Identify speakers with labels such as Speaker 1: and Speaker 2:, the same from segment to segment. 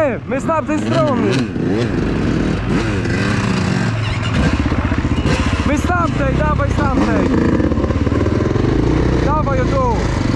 Speaker 1: Nie, my z tamtej strony. My z tamtej, dawaj z tamtej. Dawaj o tu.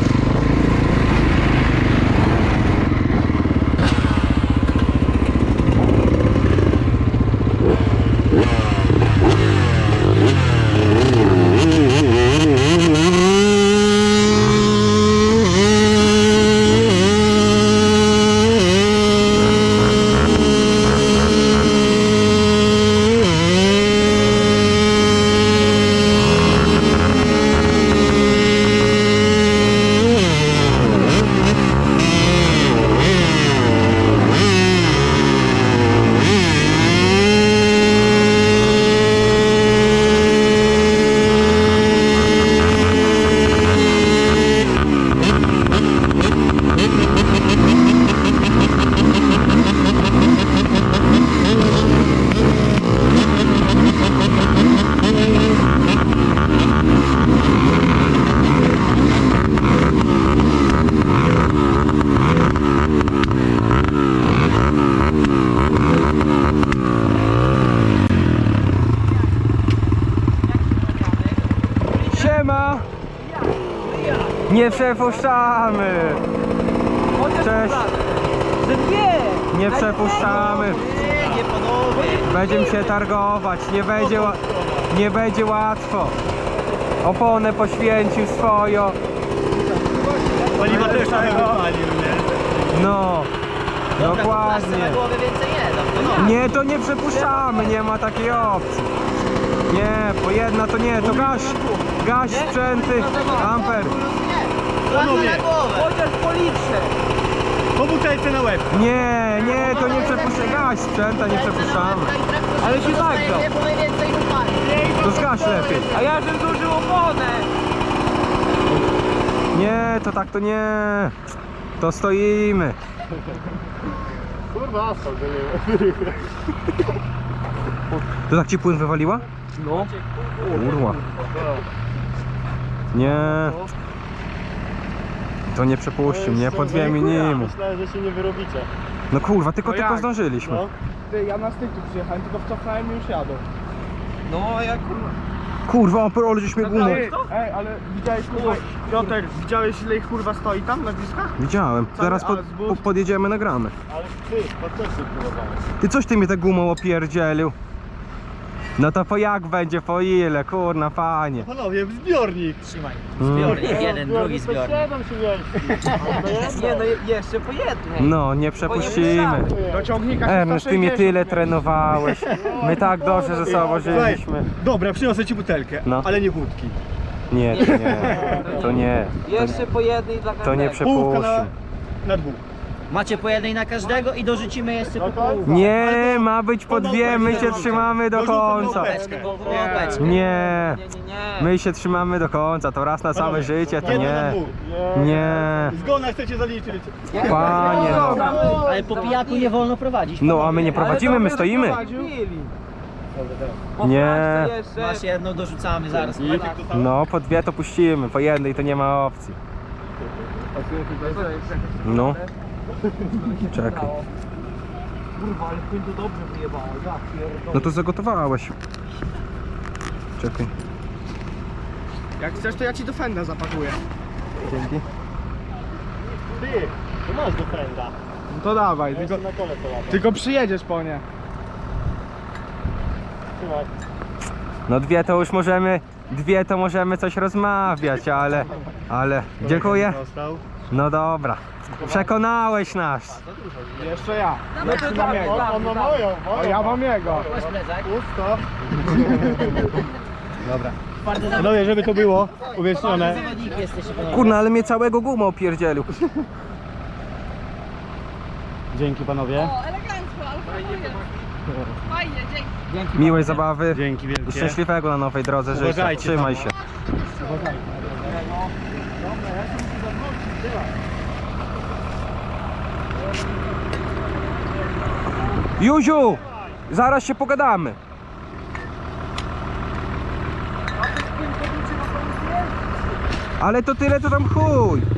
Speaker 1: Siema! Nie przepuszczamy! Cześć! Nie przepuszczamy! Będziemy się targować, nie będzie łatwo. Oponę poświęcił swoją.
Speaker 2: Paliwa też tam wypalił, nie?
Speaker 1: No, dokładnie. Nie, to nie przepuszczamy, nie ma takiej opcji. Nie, po jedna to nie, to gaś sprzęty, amper.
Speaker 3: Chociaż po litrze.
Speaker 2: Po butelce na łeb.
Speaker 1: Nie, to nie przepuszczamy, gaś sprzęta nie przepuszczamy.
Speaker 3: Ale się nagrzał.
Speaker 1: To zgaś lepiej.
Speaker 3: A ja żem zużył oponę.
Speaker 1: Nie, to tak to nie. To stoimy.
Speaker 2: Kurwa, asfalt, nie.
Speaker 1: To tak ci płyn wywaliła?
Speaker 3: No.
Speaker 1: Kurwa. Nie. To nie przepuścił mnie po 2 minimum.
Speaker 2: Myślałem, że się nie wyrobicie.
Speaker 1: No kurwa, tylko
Speaker 4: jak?
Speaker 1: zdążyliśmy.
Speaker 2: No.
Speaker 4: Ty, ja na styku przyjechałem, tylko wcofnąłem i już jadą.
Speaker 3: No jak
Speaker 1: Kurwa, ale żeś mnie gumą.
Speaker 4: Ej, ale widziałeś kurwa, Piotr, widziałeś ile ich kurwa stoi tam na bliskach?
Speaker 1: Widziałem. Zaraz
Speaker 4: ale zbór-
Speaker 1: podjedziemy, nagramy.
Speaker 2: Ale ty, to coś się próbowałeś.
Speaker 1: Ty coś ty mnie tę gumą opierdzielił. No to po jak będzie, po ile, kurna panie.
Speaker 2: Panowie, zbiornik.
Speaker 3: trzymaj.
Speaker 1: Mm.
Speaker 3: Zbiornik, jeden, drugi zbiornik.
Speaker 2: 7 się mieści.
Speaker 3: Nie no jeszcze po jednej.
Speaker 1: No, nie przepuścimy.
Speaker 4: Do ciągnika
Speaker 1: Ernest, ty mnie
Speaker 4: 160
Speaker 1: tyle
Speaker 4: mieli.
Speaker 1: trenowałeś. My tak dobrze ze sobą żyliśmy.
Speaker 2: Dobra, przyniosę ci butelkę,
Speaker 1: No.
Speaker 2: ale nie wódki.
Speaker 1: Nie, to nie. To nie.
Speaker 3: Jeszcze po jednej dla każdego.
Speaker 1: To nie
Speaker 2: Połówka
Speaker 1: przepuścił.
Speaker 2: na dwóch.
Speaker 5: Macie po jednej na każdego i dorzucimy jeszcze po pół.
Speaker 1: Nie, ma być po 2, my się trzymamy do końca.
Speaker 5: Po łopeczkę.
Speaker 1: Nie,
Speaker 3: Nie.
Speaker 1: my się trzymamy do końca, to raz na całe życie, to
Speaker 2: Jedno na
Speaker 1: nie.
Speaker 2: dwóch.
Speaker 1: Nie,
Speaker 2: Zgona chcecie zaliczyć.
Speaker 1: panie no.
Speaker 5: Ale po pijaku nie wolno prowadzić.
Speaker 1: No, a my nie prowadzimy, my stoimy. Nie.
Speaker 5: Masz jedno, dorzucamy zaraz.
Speaker 1: No, po 2 to puścimy, po jednej to nie ma opcji. No. Czekaj.
Speaker 3: Kurwa, ale płyn to dobrze wyjebało, ja pierdolę.
Speaker 1: No to zagotowałeś. Czekaj.
Speaker 4: Jak chcesz, to ja ci do fenda zapakuję.
Speaker 1: Dzięki.
Speaker 2: Ty, tu masz do frenda.
Speaker 4: No to dawaj, tylko,
Speaker 2: Na kole to lata.
Speaker 4: tylko przyjedziesz po nie.
Speaker 2: Trzymaj.
Speaker 1: No 2 to już możemy, 2 to możemy coś rozmawiać, ale dziękuję.
Speaker 2: Dostał.
Speaker 1: No dobra. Przekonałeś nas.
Speaker 4: Jeszcze ja.
Speaker 3: No to
Speaker 4: mam jego.
Speaker 2: On ma moją.
Speaker 4: O, ja mam jego.
Speaker 5: Weź plecak.
Speaker 2: Pusto. Dobra. Panowie, żeby to było uwiecznione.
Speaker 5: Zawodniki jesteście panowie.
Speaker 1: Kurna, ale mnie całego gumą opierdzielił.
Speaker 2: Dzięki panowie.
Speaker 6: O, elegancko, ale fajnie, dzięki.
Speaker 1: Miłej zabawy.
Speaker 2: Dzięki
Speaker 1: I
Speaker 2: wielkie.
Speaker 1: szczęśliwego na nowej drodze życia.
Speaker 2: Uważajcie
Speaker 1: Trzymaj
Speaker 2: tam.
Speaker 1: się. Józiu! Zaraz się pogadamy. Ale to tyle, to tam chuj.